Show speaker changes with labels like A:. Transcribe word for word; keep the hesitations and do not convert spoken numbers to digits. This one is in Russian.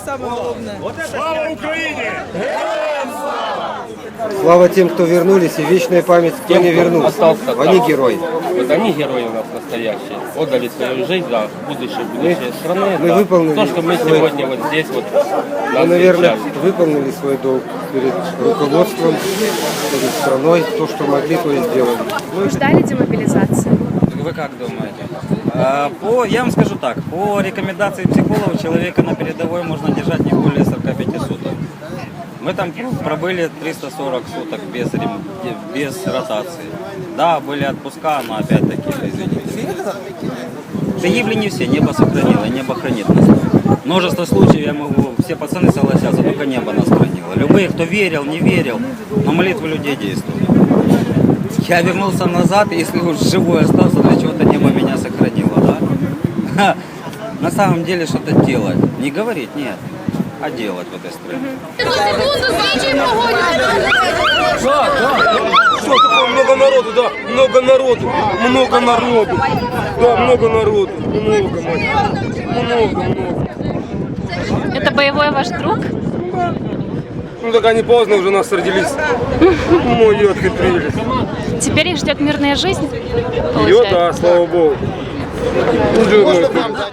A: самое главное.
B: Слава Украине!
C: Слава тем, кто вернулись, и вечная память, кто
D: Тем,
C: не
D: кто
C: вернулся.
D: остался там.
C: Они герои.
D: Вот они герои у нас настоящие. Отдали свою жизнь за будущее, будущее страны.
C: мы
D: за
C: выполнили
D: то, что мы
C: свой-
D: сегодня вот здесь вот
C: Мы,
D: нас
C: наверное,
D: встречали.
C: выполнили свой долг перед руководством, перед страной. То, что могли, то и сделали.
E: Вы ждали демобилизации?
F: Вы как думаете? А, По, я вам скажу так, по рекомендации психологов человека на передовой можно держать не более сорока пяти суток. Мы там пробыли триста сорок суток без, рем- без ротации. Да, были отпуска, но опять-таки, извините. Погибли не все, небо сохранило, и небо хранит нас. Множество случаев, я могу, все пацаны согласятся, только небо нас хранило. Любые, кто верил, не верил, но молитвы людей действуют. Я вернулся назад, если уж живой остался, для чего-то небо меня сохранило, да? На самом деле что-то делать. Не говорить, нет, а делать в этой стране.
B: Что такое много народу, да? Много народу, много народу. Да, много народу, много, мать. Много, много.
E: Это боевой ваш друг?
B: Ну так они поздно уже нас родились. Мои отхитрились.
E: Теперь их ждет мирная жизнь?
B: Ее, да, слава богу. Ну, жирная.